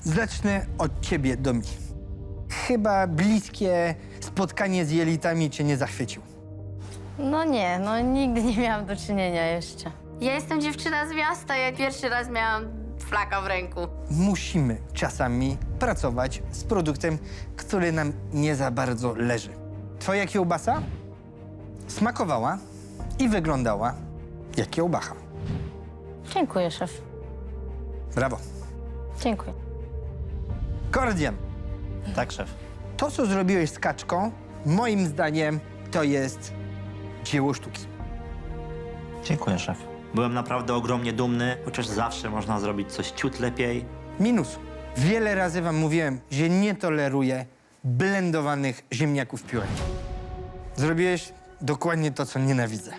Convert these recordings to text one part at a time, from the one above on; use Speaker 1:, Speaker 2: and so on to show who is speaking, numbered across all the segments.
Speaker 1: Zacznę od ciebie, Domi. Chyba bliskie spotkanie z jelitami cię nie zachwycił.
Speaker 2: No nie, no nigdy nie miałam do czynienia jeszcze. Ja jestem dziewczyna z miasta, ja pierwszy raz miałam flaka w ręku.
Speaker 1: Musimy czasami pracować z produktem, który nam nie za bardzo leży. Twoja kiełbasa smakowała i wyglądała jak kiełbacha.
Speaker 2: Dziękuję, szef.
Speaker 1: Brawo.
Speaker 2: Dziękuję.
Speaker 1: Kordian,
Speaker 3: Tak, szef.
Speaker 1: to co zrobiłeś z kaczką, moim zdaniem to jest dzieło sztuki.
Speaker 3: Dziękuję, szef. Byłem naprawdę ogromnie dumny, chociaż zawsze można zrobić coś ciut lepiej.
Speaker 1: Minus. Wiele razy wam mówiłem, że nie toleruję blendowanych ziemniaków w piórę. Zrobiłeś dokładnie to, co nienawidzę.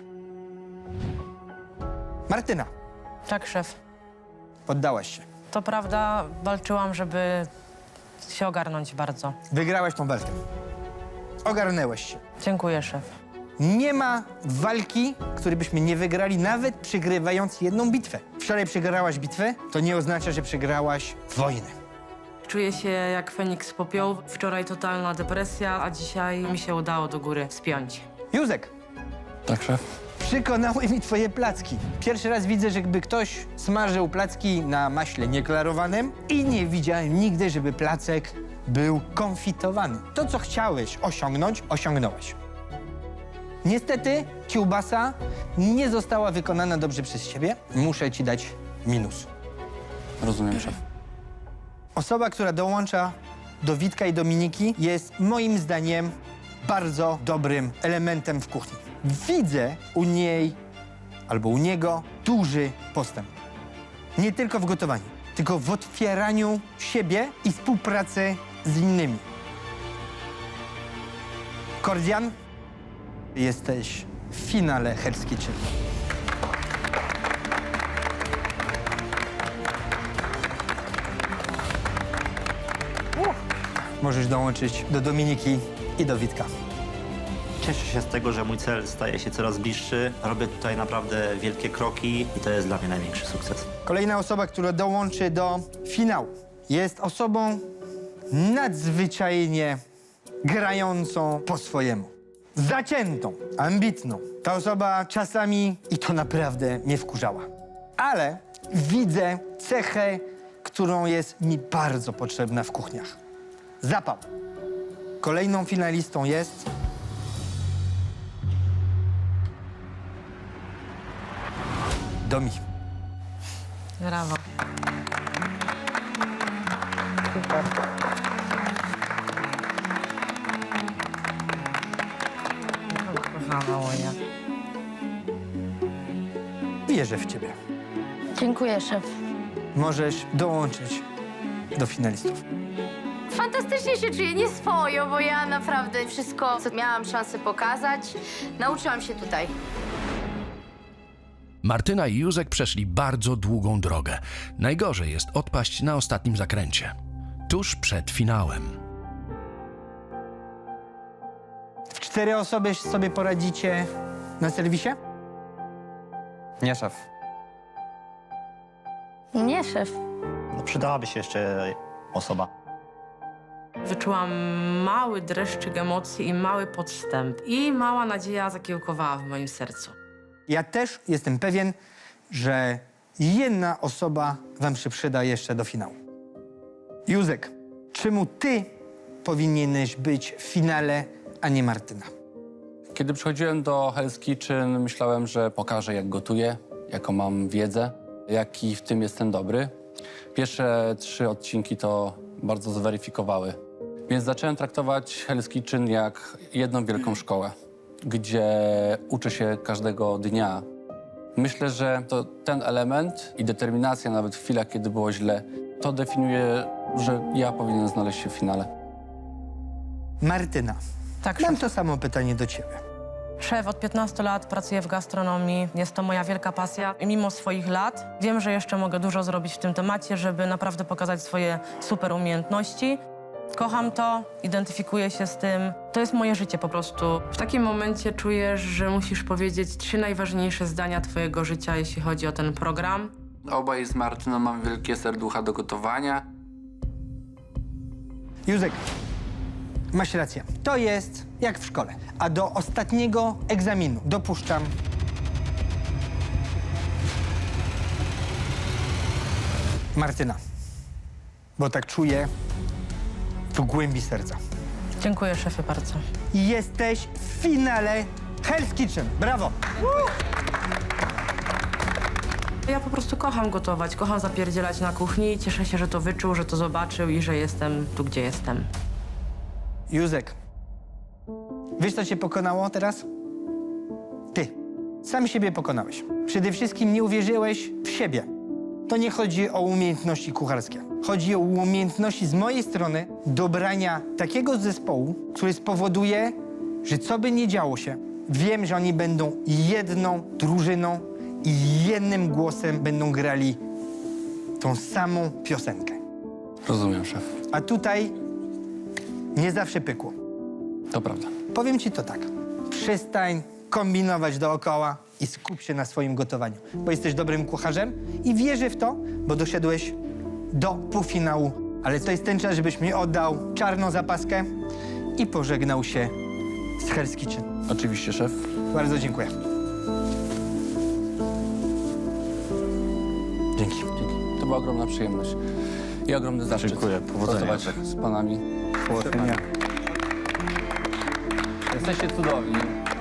Speaker 1: Martyna,
Speaker 4: Tak, szef.
Speaker 1: poddałaś się.
Speaker 4: To prawda, walczyłam, żeby się ogarnąć bardzo.
Speaker 1: Wygrałaś tą walkę. Ogarnęłaś się.
Speaker 4: Dziękuję, szef.
Speaker 1: Nie ma walki, której byśmy nie wygrali, nawet przegrywając jedną bitwę. Wczoraj przegrałaś bitwę, to nie oznacza, że przegrałaś wojnę.
Speaker 4: Czuję się jak Feniks z popiołu. Wczoraj totalna depresja, a dzisiaj mi się udało do góry wspiąć.
Speaker 1: Józek,
Speaker 5: Tak, szef?
Speaker 1: przekonały mi twoje placki. Pierwszy raz widzę, żeby ktoś smażył placki na maśle nieklarowanym i nie widziałem nigdy, żeby placek był konfitowany. To, co chciałeś osiągnąć, osiągnąłeś. Niestety kiełbasa nie została wykonana dobrze przez ciebie. Muszę ci dać minus.
Speaker 5: Rozumiem, szef.
Speaker 1: Osoba, która dołącza do Witka i Dominiki, jest moim zdaniem bardzo dobrym elementem w kuchni. Widzę u niej albo u niego duży postęp. Nie tylko w gotowaniu, tylko w otwieraniu siebie i współpracy z innymi. Kordian, jesteś w finale Hell's Kitchen. Możesz dołączyć do Dominiki i do Witka.
Speaker 3: Cieszę się z tego, że mój cel staje się coraz bliższy. Robię tutaj naprawdę wielkie kroki i to jest dla mnie największy sukces.
Speaker 1: Kolejna osoba, która dołączy do finału, jest osobą nadzwyczajnie grającą po swojemu. Zaciętą, ambitną. Ta osoba czasami, i to naprawdę mnie wkurzała. Ale widzę cechę, którą jest mi bardzo potrzebna w kuchniach. Zapał. Kolejną finalistą jest... Domi.
Speaker 4: Brawo. Super. Kochana moja.
Speaker 1: Wierzę w ciebie.
Speaker 2: Dziękuję, szef.
Speaker 1: Możesz dołączyć do finalistów.
Speaker 2: Fantastycznie się czuję, nieswojo, bo ja naprawdę wszystko, co miałam szansę pokazać, nauczyłam się tutaj.
Speaker 6: Martyna i Józek przeszli bardzo długą drogę. Najgorzej jest odpaść na ostatnim zakręcie. Tuż przed finałem.
Speaker 1: W 4 osoby sobie poradzicie na serwisie?
Speaker 5: Nie, szef.
Speaker 2: Nie, szef.
Speaker 3: No, przydałaby się jeszcze osoba.
Speaker 4: Wyczułam mały dreszczyk emocji i mały podstęp. I mała nadzieja zakiełkowała w moim sercu.
Speaker 1: Ja też jestem pewien, że jedna osoba wam się przyda jeszcze do finału. Józek, czemu ty powinieneś być w finale, a nie Martyna?
Speaker 5: Kiedy przychodziłem do Hell's Kitchen, myślałem, że pokażę, jak gotuję, jaką mam wiedzę, jaki w tym jestem dobry. Pierwsze 3 odcinki to bardzo zweryfikowały. Więc zacząłem traktować Hell's Kitchen jak jedną wielką szkołę, gdzie uczę się każdego dnia. Myślę, że to ten element i determinacja nawet w chwilach, kiedy było źle, to definiuje, że ja powinienem znaleźć się w finale.
Speaker 1: Martyna,
Speaker 4: Tak,
Speaker 1: mam
Speaker 4: szef.
Speaker 1: to samo pytanie do ciebie.
Speaker 4: Szef, od 15 lat pracuję w gastronomii. Jest to moja wielka pasja. I mimo swoich lat wiem, że jeszcze mogę dużo zrobić w tym temacie, żeby naprawdę pokazać swoje super umiejętności. Kocham to, identyfikuję się z tym. To jest moje życie po prostu. W takim momencie czujesz, że musisz powiedzieć 3 najważniejsze zdania twojego życia, jeśli chodzi o ten program.
Speaker 5: Obaj z Martyną mamy wielkie serducha do gotowania.
Speaker 1: Józek, masz rację. To jest jak w szkole. A do ostatniego egzaminu dopuszczam Martyna. Bo tak czuję w głębi serca.
Speaker 4: Dziękuję, szefie, bardzo.
Speaker 1: Jesteś w finale Hell's Kitchen. Brawo!
Speaker 4: Ja po prostu kocham gotować, kocham zapierdzielać na kuchni i cieszę się, że to wyczuł, że to zobaczył i że jestem tu, gdzie jestem.
Speaker 1: Józek, wiesz, co cię pokonało teraz? Ty. Sam siebie pokonałeś. Przede wszystkim nie uwierzyłeś w siebie. To nie chodzi o umiejętności kucharskie. Chodzi o umiejętności z mojej strony dobrania takiego zespołu, który spowoduje, że co by nie działo się, wiem, że oni będą jedną drużyną i jednym głosem będą grali tą samą piosenkę.
Speaker 5: Rozumiem, szef.
Speaker 1: A tutaj nie zawsze pykło.
Speaker 5: To prawda.
Speaker 1: Powiem ci to tak. Przestań kombinować dookoła i skup się na swoim gotowaniu, bo jesteś dobrym kucharzem i wierzę w to, bo doszedłeś do półfinału. Ale to jest ten czas, żebyś mi oddał czarną zapaskę i pożegnał się z Hell's Kitchen.
Speaker 5: Oczywiście, szef.
Speaker 1: Bardzo dziękuję. Dzięki.
Speaker 5: Dzięki. To była ogromna przyjemność i ogromny zaszczyt.
Speaker 3: Dziękuję. Powodzenia.
Speaker 5: Pracować z panami.
Speaker 3: Powodzenia.
Speaker 5: Jesteście cudowni.